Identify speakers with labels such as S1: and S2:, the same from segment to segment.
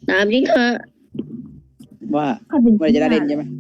S1: ตามจริงเถอะ
S2: ว่า
S3: ก็เป็น
S2: เมื่อไหร่จะได้เล่นใช่ไหม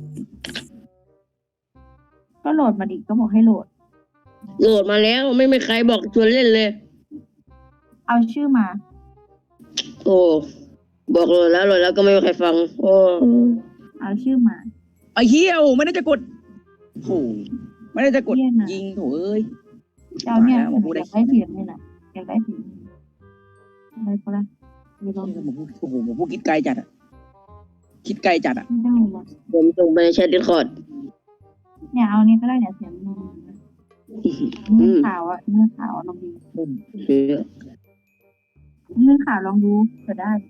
S3: ก็โหลดมาดิก็บอกให้โหลด
S1: โหลดมาแล้วไม่มีใครบอกชวนเล่นเลย
S3: เอาชื่อมา
S1: โอ้บอกโหลดแล้วก็ไม่มีใครฟัง โอ้
S3: เอาชื่อมา
S2: ไอ้เหี้ยโอ้ไม่ได้จะกดโถไม่ได้จะกด
S3: เหี้ยน่ะ
S2: ยิงโถเอ้ย
S3: เจ้าเนี่ย
S2: มาพูด
S3: อ
S2: ได้
S3: ยากได้เสียงเลยน่ะอยากได้เสียงอะไรก็ได้ไม่ลอง
S2: โอ้โหผมพูดคิดไกลจัดอะคิดไกลจัดอะ
S3: ไม่ได้หรอก
S1: ผมส่งไปในแชทดิสคอร์ด
S3: เนี่ยเอานี้ก็ได้เนี่ยเสียงมือมือขาวอ่ะมือขาวลองดู
S1: คือ
S3: มือขาวลองดูเผื่อได้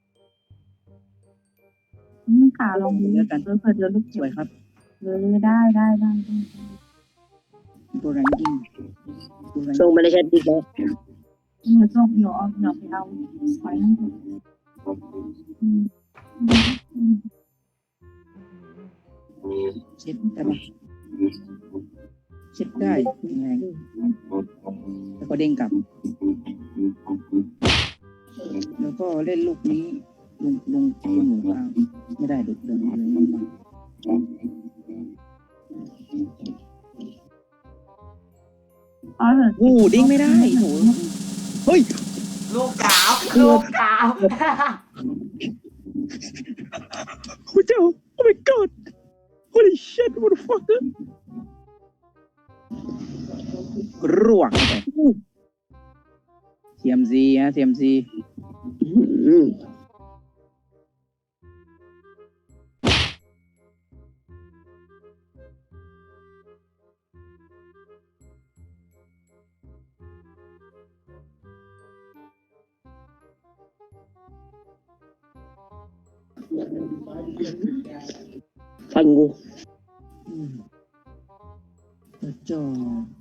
S3: มือขาวลองดูเผื่อเดี๋ยวลูก
S2: สวยครับ
S3: ได้
S2: ตัวแรงจริงตัวแรง
S1: ส่งไปในแชทดิสคอร์ด
S3: มือส้มเดี๋ยวไปเอาไว้นั่นเถอะ
S2: เช็ดได้ปะเช็ดได้แรงแล้วก็เด้งกลับ แล้วก็เล่นลูกนี้ลงหนูกลางไม่ได้ดุเดินมา
S3: อ๋อเหรอ
S2: โอ้ดิ้งไม่ได้โหเฮ้ย
S4: ลูกกาว
S2: โอ้เจ้า oh my god holy shit what the fuck กรวกไปCMC ฮะ CMC
S1: ฟังกู
S2: จอ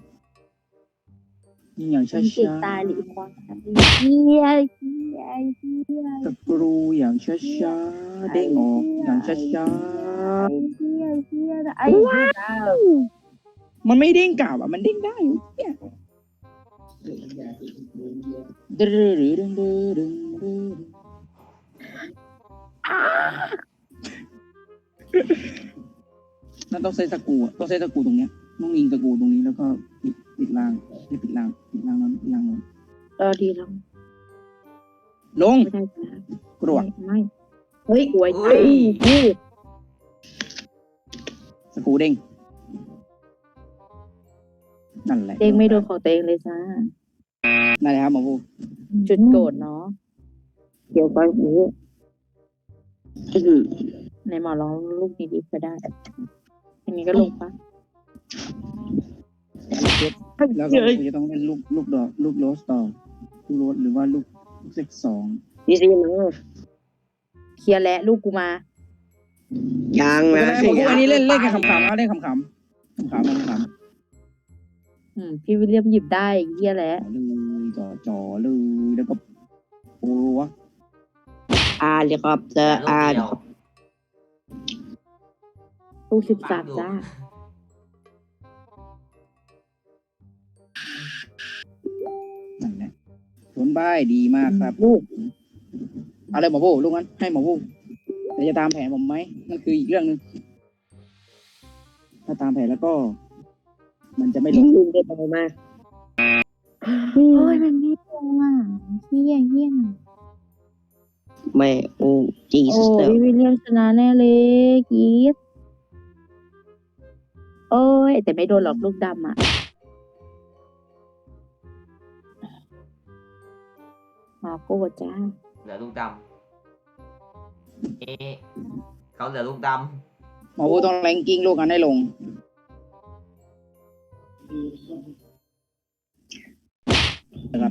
S2: ยิงอย่างช้า
S3: ติด
S2: ๆ
S3: ตายหรือควงเฮีย
S2: ตะกรูอย่างช้าๆเด้งออกอย่างช้า
S3: ไอ้ว้าว
S2: ๆมันไม่เด้งกลับอ่ะมันเด้งได้เนี่ยดึงดึงดึงดึงดึงนั่นต้องใช้ตะกูอ่ะต้องใช้ตะกูตรงเนี้ยต้องยิงตะกูตรงนี้แล้วก็ปิดล่างไม่ปิดล่างนั้นล่างนั้น
S3: ดีแล้ว
S2: ลง
S3: ไม่ได้
S2: กรวก
S3: ไม่เฮ้ยอวย
S2: สกูเด้งนั่นแหละ
S3: เองไม่โดนของตัวเองเลยจ้า
S2: นั่นแหละครับหมอบู
S3: จุดโกรธเนาะ
S1: เกี่ยวกับหู
S3: ในหมอร้องลูกนี้ดีก็ได้อันนี้ก็ลงปะ
S2: แล้วก็กูจะต้องเล่นลูกดอกลูกโรสต่อลูกโรสหรือว่าลูกเซ็กสอง
S1: ดีซีนะ
S3: เคลียร์และลูกกูมา
S1: ยังนะ
S2: หมอบูอันนี้เล่นแค่ขำๆนะเล่นขำ
S3: พี่วิลเลียมหยิบได้เคลียร์และ
S2: เลยจ่อเลยแล้วก็โอ้วะ
S1: เลยครับเจอ
S4: ลูกเดียว
S3: ลูก13จ้า
S2: นั่นแหละสวนบ้ายดีมากครับลูกอะไรหมอบูลูกนั้นให้หมอบูแต่จะตามแผนผมไหมนั่นคืออีกเรื่องนึงถ้าตามแผนแล้วก็ มันจะไม่ลง
S1: ลุงได้บอกมา
S3: โอ้ยมันไม่ลงอ่ะเฮีย
S1: ไม่โอ้จี
S3: โอ้
S1: สเตอร์
S3: พี่วิลเลียมชนะแน่เลยกีดโอ้ยแต่ไม่โดนหรอกลูกดำอ่ะมาโก้จ้า
S4: เหลือลูกดำเขาเหลือลูกด
S2: หมอบูต้องแรงกิ้งลูกกันให้ลงนะครับ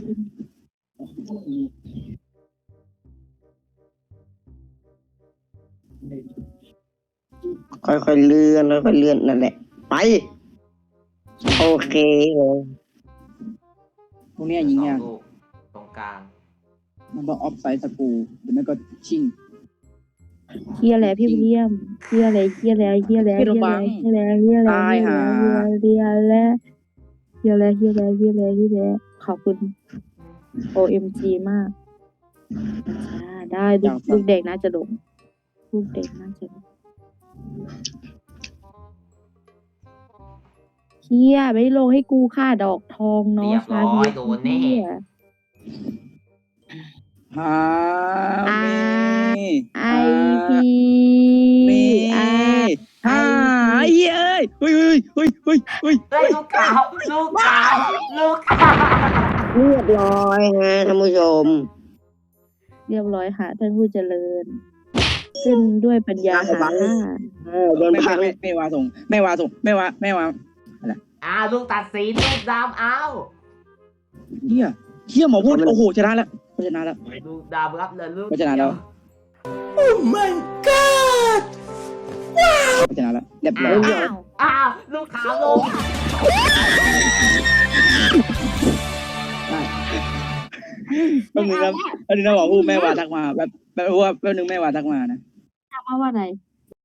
S1: ค่อยๆเลื่อนนั่นแหละไปโอเคเลย
S2: พวกเนี้ย
S4: ำ
S2: ยิง
S4: สอง
S2: ยาก
S4: ลูกตรงกลาง
S2: มันต้องออฟไซด์สกรูหรือไม่ก็ชิง
S3: เฮียแล้วพี่วิลเลียมเฮียแล้วเฮียแล้วเฮียแล้วเฮียแล้วเฮียแล้วเฮียแล้วเฮียแล้วเฮียแล้วเฮียแล้วขอบคุณ OMG มากได้ลูกเด็กน่าจะลงลูกเด็กน่าจะลงเฮียไม่ลงให้กูค่าดอกทองเนาะ
S4: เรียบร้อยโดนแน่
S2: ฮามี
S3: ไอพี
S2: มี
S3: อา
S2: ฮ่าเย้ยเฮ้ยเฮ้ยเฮ้ยเฮ้ย
S4: เฮ้ยลูกขาวลูกขาวลูกขาว
S1: เรียบร้อยฮะท่านผู้ชม
S3: เรียบร้อยค่ะท่านผู้เจริญ ขึ้นด้วยปัญญาหา
S1: โดนพัง
S2: ไม่วาส่งไม่วาส่งไม่วา
S4: ลูกตัดสินลูกดำเอา
S2: เฮียหมอพูดโอ้โหชนะแล้วชนะแล้ว
S4: ลูกดำรับเลยลูก
S2: ชนะแล้วชนะแล้วเรียบร้อย
S3: อ้าว
S4: ลูกขาวลง
S2: แป๊บนึงครับแป๊บนึงนะหมอพูดแม่วาทักมาแป๊บนึงแม่วาทักมานะ
S3: ถามว่าอะไร